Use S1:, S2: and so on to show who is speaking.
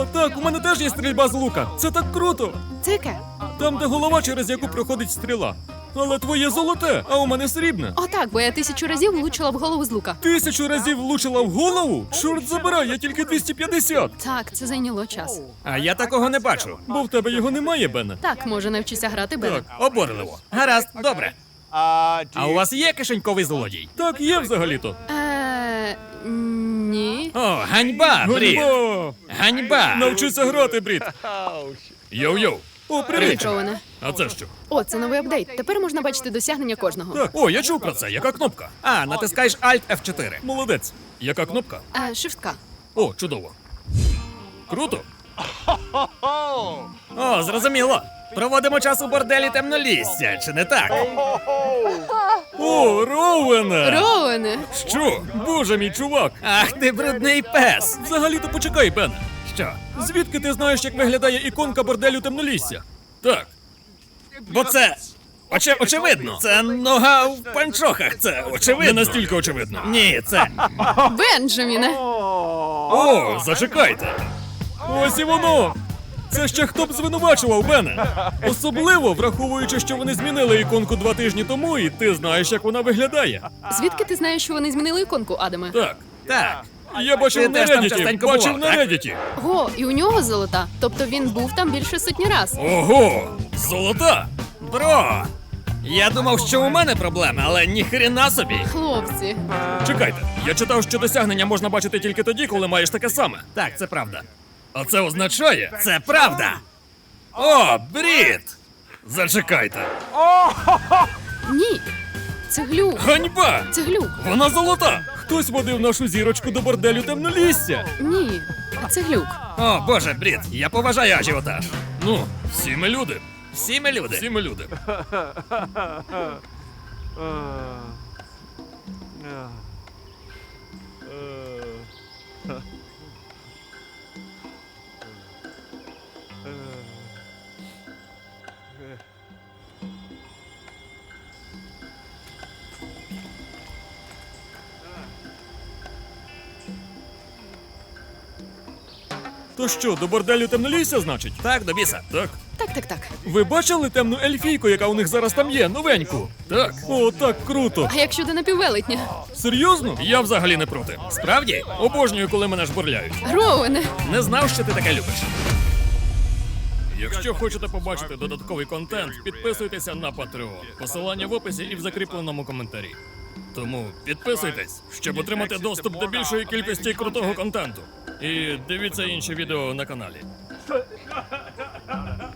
S1: О, так, у мене теж є стрільба з лука. Це так круто.
S2: Це яке?
S1: Там, де голова, через яку проходить стріла. Але твоє золоте, а у мене срібне.
S2: О, так, бо я 1000 разів влучила в голову з лука.
S1: 1000 разів влучила в голову? Чорт забирай, я тільки 250.
S2: Так, це зайняло час.
S3: А я такого не бачу.
S1: Бо в тебе його немає, Бене.
S2: Так, може, навчися грати Бене.
S1: Так.
S3: Обурливо. Гаразд, добре. А у вас є кишеньковий злодій?
S1: Так, є взагалі-то.
S2: Ні.
S3: О, ганьба, Брід!
S1: Ганьба!
S3: Ганьба!
S1: Навчися грати, Брід. Йоу-йоу. О,
S2: Привіт,
S1: привіт.
S2: Роуене.
S1: А це що?
S2: О, це новий апдейт. Тепер можна бачити досягнення кожного.
S1: Так, о, я чув про це. Яка кнопка?
S3: А, натискаєш Alt F4.
S1: Молодець. Яка кнопка?
S2: Шифтка.
S1: О, чудово. Круто.
S3: О, зрозуміло. Проводимо час у борделі темнолісся, чи не так?
S1: О, Роуене!
S2: Роуене!
S1: Що? Боже мій чувак!
S3: Ах ти брудний пес!
S1: Взагалі-то почекай, Бене.
S3: Що?
S1: Звідки ти знаєш, як виглядає іконка борделю темнолісся? Так.
S3: Бо це... очевидно. Це нога в панчохах, це
S1: Не
S3: очевидно.
S1: настільки очевидно.
S3: Ні, це...
S2: Бенджаміне!
S1: О, зачекайте. Ось і воно. Це ще хто б звинувачував, Бене. Особливо, враховуючи, що вони змінили іконку 2 тижні тому, і ти знаєш, як вона виглядає.
S2: Звідки ти знаєш, що вони змінили іконку, Адаме?
S1: Так.
S3: Так.
S1: Я бачив
S3: Ти
S1: на
S3: теж там
S1: Reddit,
S3: частенько
S1: бачив
S3: бував,
S1: на
S3: так?
S1: Reddit.
S2: Го, і у нього золота. Тобто він був там більше сотні раз.
S1: Ого, золота.
S3: Бро! Я думав, що у мене проблеми, але ніхрена собі.
S2: Хлопці.
S1: Чекайте, я читав, що досягнення можна бачити тільки тоді, коли маєш таке саме.
S3: Так, це правда.
S1: А це означає...
S3: Це правда! О, Брід!
S1: Зачекайте.
S2: Ні. Це глюк.
S1: Ганьба!
S2: Це глюк.
S1: Вона золота! Хтось водив нашу зірочку до борделю темнолісся.
S2: Ні. Це глюк.
S3: О, боже, Брід, я поважаю ажіотаж.
S1: Ну, всі ми люди.
S3: Всі ми люди.
S1: Всі ми люди. То що, до борделю темнолісся, значить?
S3: Так, до біса.
S1: Так.
S2: Так.
S1: Ви бачили темну ельфійку, яка у них зараз там є, новеньку? Так. О, так круто.
S2: А як щодо напіввелетня?
S1: Серйозно? Я взагалі не проти.
S3: Справді?
S1: Обожнюю, коли мене жбурляють.
S2: Роуене.
S3: Не знав, що ти таке любиш.
S1: Якщо хочете побачити додатковий контент, підписуйтеся на Patreon. Посилання в описі і в закріпленому коментарі. Тому підписуйтесь, щоб отримати доступ до більшої кількості крутого контенту. І дивіться інші відео на каналі.